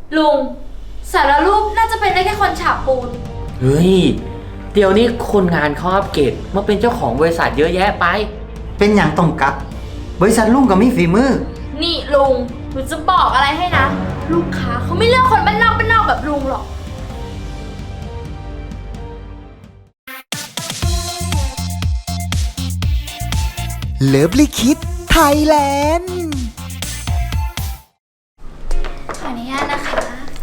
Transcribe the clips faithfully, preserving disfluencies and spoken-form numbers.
ลุงสารรูปน่าจะเป็นได้แค่คนฉาบปูนเฮ้ยเดี๋ยวนี้คนงานเขาอัปเกรดมาเป็นเจ้าของบริษัทเยอะแยะไปเป็นอย่างต้องกักบริษัทลุงก็มีฝีมือนี่ลุงหนูจะบอกอะไรให้นะลูกค้าเขาไม่เลือกคนบ้านนอกบ้านนอกแบบลุงหรอกเลิฟลิคิดไทยแลนด์ขออนุญาตนะคะ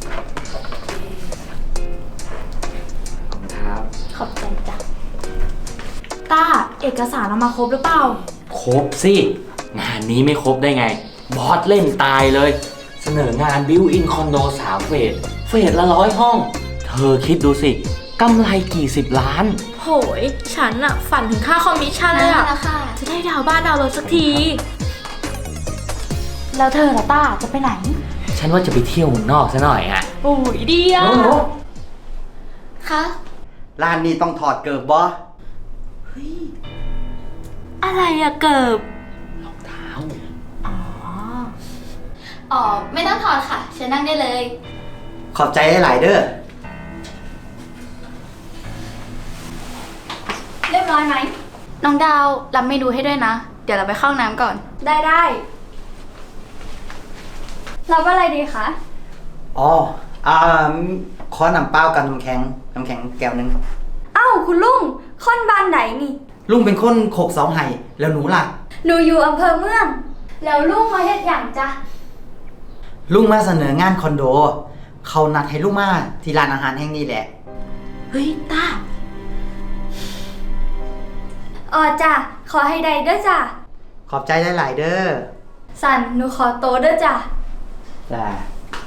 ครับขอบใจจ้ะต้าเอกสารเอามาครบหรือเปล่าครบสิงานนี้ไม่ครบได้ไงบอสเล่นตายเลยเสนองานบิวอินคอนโดสามเฟสเฟสละร้อยห้องเธอคิดดูสิกำไรกี่สิบล้านโหยฉันอะฝันถึงค่าคอมมิชชั่นเลยอะจะได้ดาวบ้านดาวรถสักทีแล้วเธอล่ะต้าจะไปไหนฉันว่าจะไปเที่ยวเมืองนอกซะหน่อยอะโอ้ยดีอะคะร้านนี้ต้องถอดเกิบบอเฮ้ยอะไรอะเกิบรองเท้าอ๋ออ๋อไม่ต้องถอดค่ะฉันนั่งได้เลยขอบใจหลายเด้อเรียบร้อยไหมน้องดาวรับเมนูให้ด้วยนะเดี๋ยวเราไปเข้าน้ำก่อนได้ได้รับอะไรดีคะอ๋ออ่าขอน้ำเปล่ากับน้ำแข็งน้ำแข็งแก้วนึงอ้าวคุณลุงค่อนบ้านไหนนี่ลุงเป็นคนโคกเสาไห้แล้วหนูล่ะหนูอยู่อำเภอเมืองแล้วลุงมาเฮ็ดอย่างจ้ะลุงมาเสนองานคอนโดเขานัดให้ลุงมาที่ร้านอาหารแห่งนี้แหละเฮ้ยตาอ๋อจ้ะขอให้ได้เด้อจ้ะขอบใจหลายๆเด้อสันหนูขอโตเด้อจ้ะจ้ะ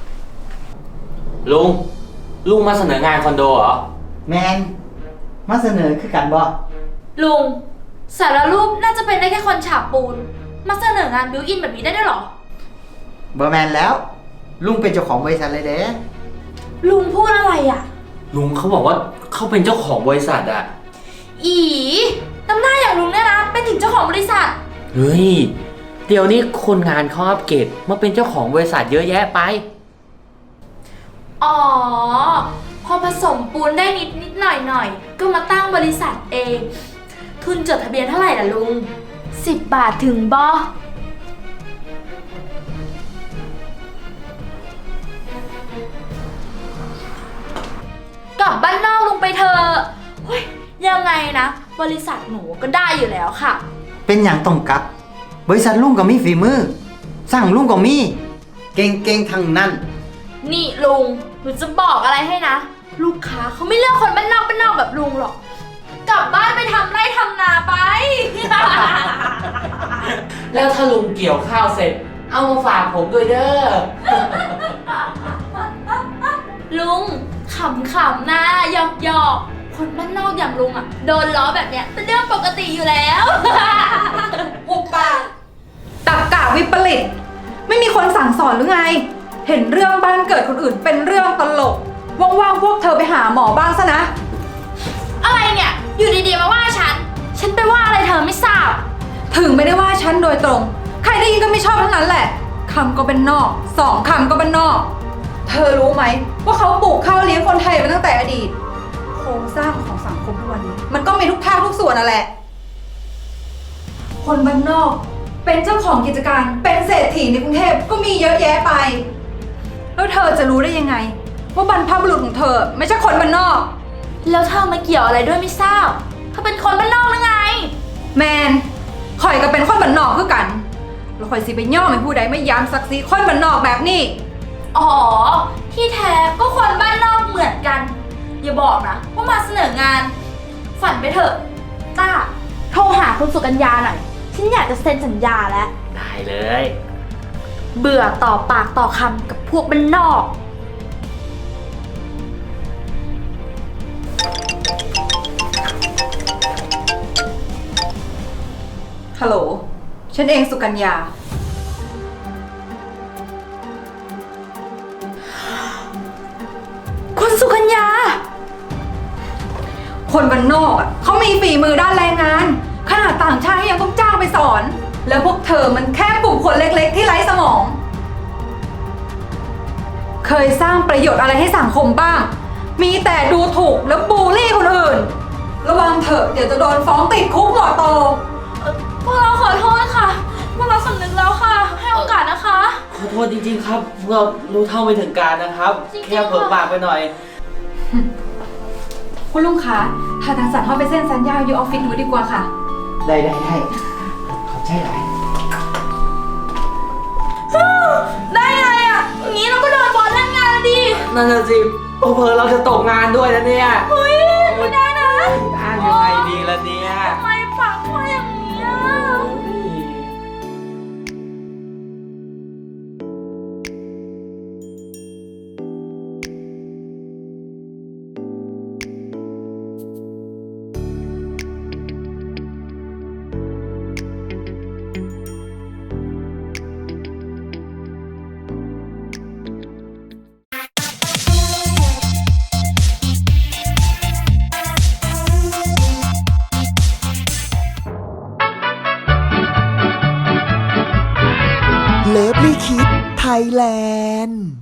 ลุงลุงมาเสนองานคอนโดเหรอแมนมาเสนอคือกันบ่ลุงสารรูปน่าจะเป็นได้แค่คนฉาบปูนมาเสนองานบิวอินแบบนี้ได้ด้วยหรอบ่แมนแล้วลุงเป็นเจ้าของบริษัทเลยเด้ลุงพูดอะไรอ่ะลุงเขาบอกว่าเขาเป็นเจ้าของบริษัทอ่ะอีน้ำหน้าอย่างลุงเนี่ยนะเป็นถึงเจ้าของบริษัทเฮ้ยเดี๋ยวนี้คนงานเขาอัปเกรดมาเป็นเจ้าของบริษัทเยอะแยะไปอ๋อพอผสมปูนได้นิดนิดหน่อยหน่อยก็มาตั้งบริษัทเองทุนจดทะเบียนเท่าไหร่ล่ะลุงสิบบาทถึงบ่กลับบ้านนอกลุงไปเถอะเฮ้ยยังไงนะบริษัทหนูก็ได้อยู่แล้วค่ะเป็นอย่างต้องกักบริษัทลุงก็มีฝีมือสั่งลุงก็มีเก่งเก่งทั้งนั้นนี่ลุงหนูจะบอกอะไรให้นะลูกค้าเขาไม่เลือกคนบ้านนอกบ้านนอกแบบลุงหรอกกลับบ้านไปทำไร่ทำนาไปแล้วถ้าลุงเกี่ยวข้าวเสร็จเอามาฝากผมด้วยเด้อลุงขำๆนะหยอกๆคนบ้านนอกอย่างลุงอ่ะโดนล้อแบบเนี้ยเป็นเรื่องปกติอยู่แล้วหุบปากตักกะวิปริตไม่มีคนสั่งสอนหรือไงเห็นเรื่องบ้านเกิดคนอื่นเป็นเรื่องตลกว่างๆพวกเธอไปหาหมอบ้างซะนะอะไรเนี่ยอยู่ดีๆมาว่าฉันฉันไปว่าอะไรเธอไม่ทราบถึงไม่ได้ว่าฉันโดยตรงใครได้ยินก็ไม่ชอบทั้งนั้นแหละคำก็เป็นนอกสองคำก็เป็นนอกเธอรู้ไหมว่าเขาปลูกข้าวเลี้ยงคนไทยมาตั้งแต่อดีตโครงสร้างของสังคมทุกวันนี้มันก็มีทุกภาคทุกส่วนนั่นแหละคนบ้านนอกเป็นเจ้าของกิจการเป็นเศรษฐีในกรุงเทพก็มีเยอะแยะไปแล้วเธอจะรู้ได้ยังไงว่าบรรพบุรุษของเธอไม่ใช่คนบ้านนอกแล้วเธอมาเกี่ยวอะไรด้วยไม่ทราบเธอเป็นคนบ้านนอกหรือไงแมนข่อยก็เป็นคนบ้านนอกคือกันแล้วข่อยสิไปย่อไม่ผู้ใดไม่ย้ำศักดิ์ศรีคนบ้านนอกแบบนี้อ๋อที่แท้ก็คนบ้านนอกเหมือนกันอย่าบอกนะว่ามาเสนองานฝันไปเถอะต้าโทรหาคุณสุกัญญาหน่อยฉันอยากจะเซ็นสัญญาแล้วได้เลยเบื่อต่อปากต่อคำกับพวกบ้านนอกฮัลโหลฉันเองสุกัญญาคุณสุกัญญาคนบ้านนอกอ่ะเขามีฝีมือด้านแรงงานขนาดต่างชาติยังต้องจ้างไปสอนแล้วพวกเธอมันแค่กลุ่มคนเล็กๆที่ไร้สมองเคยสร้างประโยชน์อะไรให้สังคมบ้าง มีแต่ดูถูกแล้วบูลลี่คนอื่น ระวังเถอะเดี๋ยวจะโดนฟ้องติดคุกหัวโตพวกเราขอโทษค่ะ พวกเราสำนึกแล้วค่ะ ให้โอกาสนะคะขอโทษจริงๆครับพวกเรารู้เท่าไม่ถึงการนะครับจริงๆแค่เผลอปากไปหน่อยคุณลุงคะถ้าทางสันเข้าไปเซ็นสัญญาอยู่ออฟฟิศหนูดีกว่าค่ะได้ได้ได้ขอบใจหลายได้ไงอ่ะอย่างนี้เราก็โดนบอสเล่นงานแล้วดินั่นน่ะสิเผลอๆเราจะตกงานด้วยนะเนี่ยเฮ้ยไม่ได้นะอ้างยังไงดีล่ะเนี่ยทำไมปากพ่ออย่างนี้อ่ะเลิฟลี่คิดไทยแลนด์